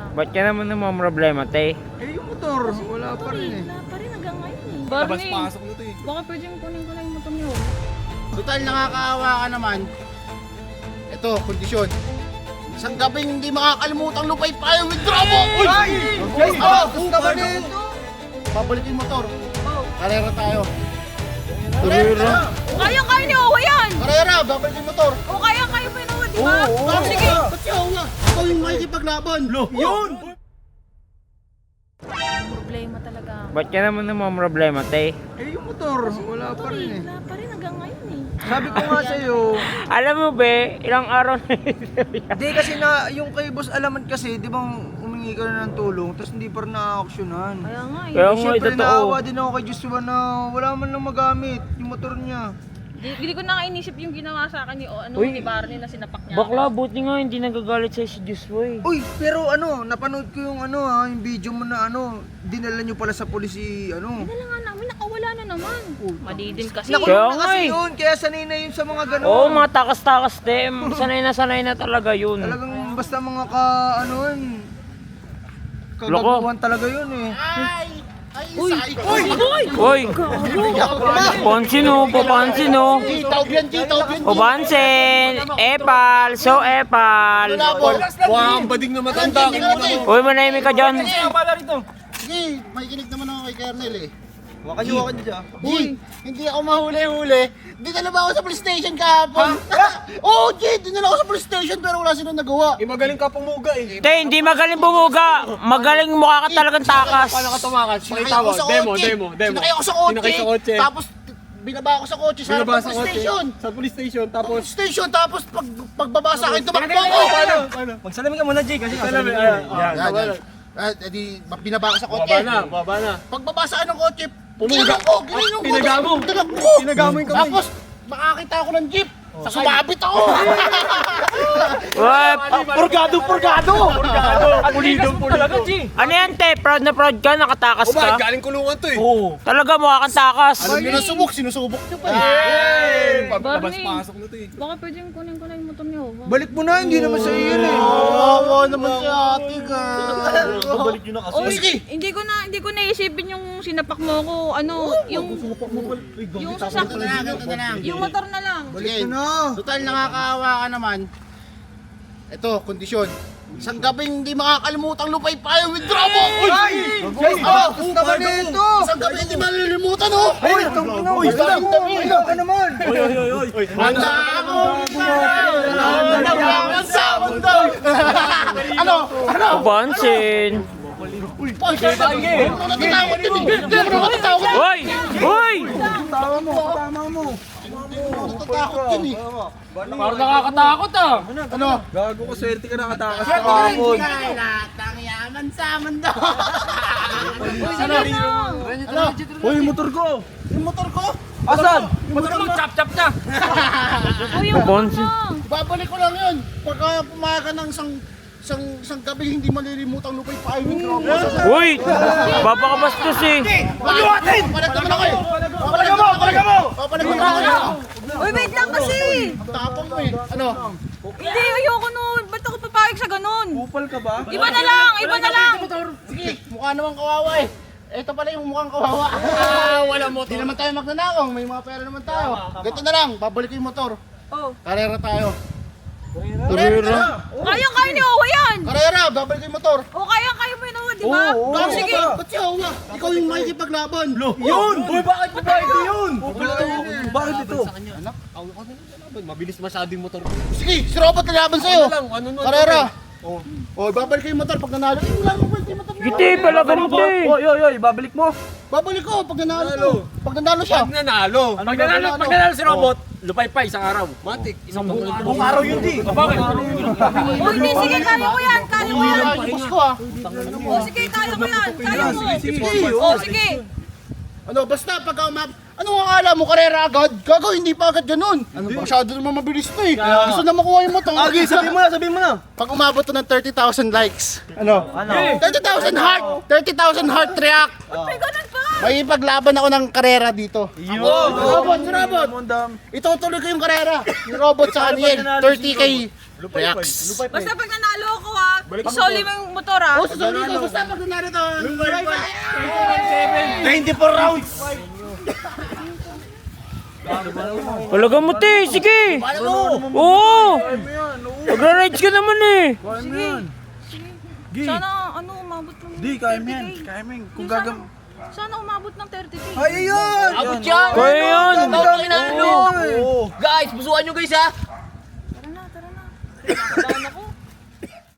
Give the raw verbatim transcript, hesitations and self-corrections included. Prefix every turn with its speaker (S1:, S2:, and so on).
S1: Ba't ka naman naman problema, te?
S2: Eh, yung motor, wala pa rin eh.
S3: Wala pa rin hanggang ngayon eh.
S4: Barney,
S5: Pasok na to eh.
S3: baka pwede yung kunin ko na yung motor niyo.
S4: Total, nakakaawa ka naman. Ito, kondisyon. Isang gabing hindi makakalimutang lupay payo with Drobo! Uy!
S2: Ay! Ay!
S4: Ah,
S2: Gusto ba nito?
S4: Babalik yung motor. Karera tayo.
S1: Karera?
S3: Kaya kaya ni Owa yan!
S4: Karera, babalik yung motor.
S3: O kaya kayo pa yun, di ba?
S2: Oo,
S3: Oh, sige.
S4: Ba't siya nga? Ikaw yung makikipaglaban.
S2: Yun!
S3: Problema talaga.
S1: Ba't ka naman naman problema, te?
S2: Eh, yung motor, wala pa rin eh.
S3: Wala pa rin hanggang ngayon eh.
S2: Sabi ko nga sa'yo,
S1: Alam mo be, ilang araw na
S2: hindi kasi na, yung kay Boss Alamat kasi, di bang humingi ka na ng tulong, tapos hindi pa rin na-actionan.
S3: Kaya nga eh.
S1: Kaya
S2: Eh,
S1: nga,
S2: syempre
S1: totoo.
S2: naawa din ako kay Joshua na wala man lang magamit yung motor niya.
S3: Di- Hindi ko na inisip yung ginawa sa akin ni, o, ano,
S1: Uy.
S3: ni Barney na sinapak niya.
S1: Bakla,
S3: ako.
S1: buti nga hindi nagagalit sa'yo si Joshua eh.
S2: Uy, pero ano, napanood ko yung ano ha, yung video mo na ano, dinala nyo pala sa polisi, ano.
S3: Dala nga namin, nakawala na naman. Mali din kasi.
S2: Nakulong
S1: Kaya
S2: na
S1: nga
S2: kasi
S1: eh.
S2: yun, kaya sanay na yun sa mga gano'n.
S1: Oo, mga takas-takas te. Sanay na sanay na talaga yun.
S2: Talagang basta mga ka, ano yun,
S1: Loko.
S2: kagaguhan talaga yun eh.
S4: Ay! Ay,
S3: Uy!
S4: say!
S3: Uy! Uy!
S1: Uy! Pansin o, papansin o.
S4: Gitaw yan, gitaw yan.
S1: Papansin! Epal! So epal!
S5: Wah, ang bading na matanda.
S1: Uy, manahimik ka dyan.
S4: Sige, may kinig naman ako kay Kernel eh.
S2: Wakan nyo, wakan nyo dyan.
S4: G, hindi ako mahuli-huli. Dinala ba ako sa police station kahapon? Oo, G, dinala ako sa police station pero wala silang nagawa.
S5: Eh, magaling ka pumuga eh.
S1: Te, hindi magaling bumuga. Magaling mukha ka talagang takas.
S5: Paano ka tumakas?
S4: Sinakay
S5: Pakita
S4: ako
S5: mo.
S4: sa
S5: Demo,
S4: kotse.
S5: demo, demo.
S4: Sinakay ako sa kotse.
S5: Sinakay sa kotse.
S4: Tapos binaba ako sa kotse sa harap
S5: Binaba
S4: ng
S5: sa
S4: police
S5: kotse.
S4: station.
S5: Sa police station. Tapos,
S4: Police station, tapos pag, pagbaba sa akin, tumakbo ako.
S5: paano? Paano?
S2: Magsalamin ka muna, Jay, kasi
S5: Salamin. Ayan,
S4: Yan,
S5: ayan.
S4: yan. Ah, edi, binaba ako sa kotse.
S5: Baba na, baba na.
S4: Pagbaba sa akin ng kotse,
S5: Pumuga.
S4: ginanong ko, ginanong ko.
S5: Pinaga mo.
S4: Tinakbo ko.
S5: Pinaga mo yung kamay.
S4: Tapos, makakita ako ng jeep. Sumabit ako.
S1: Uy,
S4: Purgado, purgado.
S5: Purgado. Pulido, pulido.
S1: ano yan te? Proud na proud ka? Nakatakas
S5: O bakit
S1: ka?
S5: galing kulungan to eh?
S1: Talaga mukha kang takas.
S4: Alam niyo na subok, sinusubok niyo pa.
S5: Hey!
S3: Barney.
S5: Labas-pasok na to eh.
S3: Baka pwede yung kunin ko na yung motor niyo.
S2: Balik mo na, hindi naman sa iyo yun eh.
S4: Oo, naman si ate ka.
S2: Babalik nyo na kasi.
S3: Oy,
S4: Sige.
S3: hindi ko na hindi ko naisipin yung sinapak mo ako. Ano, yung yung sasak
S4: Ganito na lang, ganito na lang.
S3: yung motor na lang.
S4: Sige.
S2: na.
S4: Total, nakakaawa ka naman. Ito, kondisyon. Isang gabing hindi makakalimutang lupay payo with Drobo! Uy!
S2: Ay! Jay,
S4: Ah,
S2: gusto ba nito?
S4: Isang gabi hindi malilimutan, oh!
S2: Uy, itong ina,
S4: Uy,
S2: gusto
S4: galing
S2: mo.
S4: dami.
S2: Ilo ka naman.
S4: Handa ako! Handa sa mundo! Ano? Ano?
S1: Papansin.
S4: Uy, natatakot yun eh! Hindi mo natatakot!
S1: Uy! Uy!
S2: Tama mo, tama mo.
S4: Natatakot yun eh!
S1: Parang nakakatakot ah.
S4: Ano?
S5: Gago ko, swerte ka nakatakas
S4: Kaya
S5: kahapon.
S4: lahat ng yaman sa mundo!
S3: Ano?
S4: Ano?
S2: Uy, motor ko.
S4: Yung motor ko?
S2: Asan?
S1: Motor mo, chap-chap na.
S3: Uy, yung motor
S1: Papansin.
S3: mo.
S4: Babalik ko lang yun. Pagka pumayag ka ng isang isang isang gabi hindi malilimutang lupay pa ay microphone.
S1: Uy! Papakabastos eh.
S4: Pagluwatin! Papalag naman ako eh! Papalag mo! Papalag mo! Papalag mo!
S3: Uy, wait lang kasi.
S4: Tapang mo eh. Ano?
S3: Hindi, ayoko nun. Ba't ako papayag sa ganun?
S2: Kupal ka ba?
S3: Iba na lang, iba na lang.
S4: Sige, mukha naman kawawa eh. Ito pala yung mukhang kawawa. Ah, wala mo. Hindi naman tayo magnanakong. May mga pera naman tayo. Ganito na lang. Babalik ko yung motor.
S3: Oh.
S4: Karera tayo.
S1: Karera.
S3: Kaya kaya ni Owa yan.
S4: Karera! Babalik ko yung motor.
S3: O kaya kaya mo yun, Owa, di ba?
S2: Oo, oo.
S4: Bakit
S3: Sige.
S4: ka? Ba't siya hawa? Ikaw yung makikipaglaban.
S2: Yun! Uy, bakit ba ito yun? Bakit ito?
S5: Anak, ako ka na laban. Mabilis masyado yung motor ko.
S4: Sige, si Robot nalaban sa'yo.
S5: Ano lang, ano nun?
S4: Karera! Oh. Oh, babalik ko yung motor pag nanalo. Eh, wala mo ba yung motor?
S1: Giti pala ganito eh.
S2: Oy, oy, oy, babalik mo.
S4: Babalik ko pag nanalo to. Pag nanalo siya.
S5: Pag nanalo.
S4: Pag nanalo, pag nanalo si
S5: robot, lupay pa isang araw. Matik, isang buong araw.
S2: Buong araw yun, di.
S5: Bakit?
S3: O hindi, sige, kaya ko yan, kaya ko yan.
S4: Ay, boss ko ah.
S3: O sige, kaya ko yan, kaya mo.
S4: Sige.
S3: O sige.
S4: Ano, basta pag umab... Ano ang akala mo, karera agad? Gago, hindi pa agad ganun. Ano, masyado naman mabilis to eh. Gusto na makuha yung motor.
S2: Agi, sabihin mo na, sabihin mo na.
S4: Pag umabot to ng thirty thousand likes. Ano?
S2: Ano?
S4: thirty thousand heart! thirty thousand heart react!
S3: May ganun pa.
S4: May ipaglaban ako ng karera dito.
S2: Yun.
S4: Robot, si Robot.
S2: Mondam.
S4: Itutuloy ko yung karera. Yung robot sa kanya thirty K Reacts.
S3: Basta pag nanalo ako ha, isoli mo yung motor ha.
S4: Oh, susunod ko. Basta pag nanalo to. twenty-four rounds.
S1: Talaga mo, te. Sige. Oo. Magra-rides ka naman eh.
S2: Kaya mo yan.
S3: Sana ano, umabot ng
S2: Di, kaya mo yan.
S3: thirty K.
S2: Kaya mo yan. Kung
S3: Yung sana-
S2: gagam...
S3: Sana umabot ng thirty K.
S2: Ay, ayun!
S6: Abot yan!
S1: Kaya yan.
S6: Tawag ang inaalok! Guys, busuan nyo guys ha!
S3: Tara na, tara na.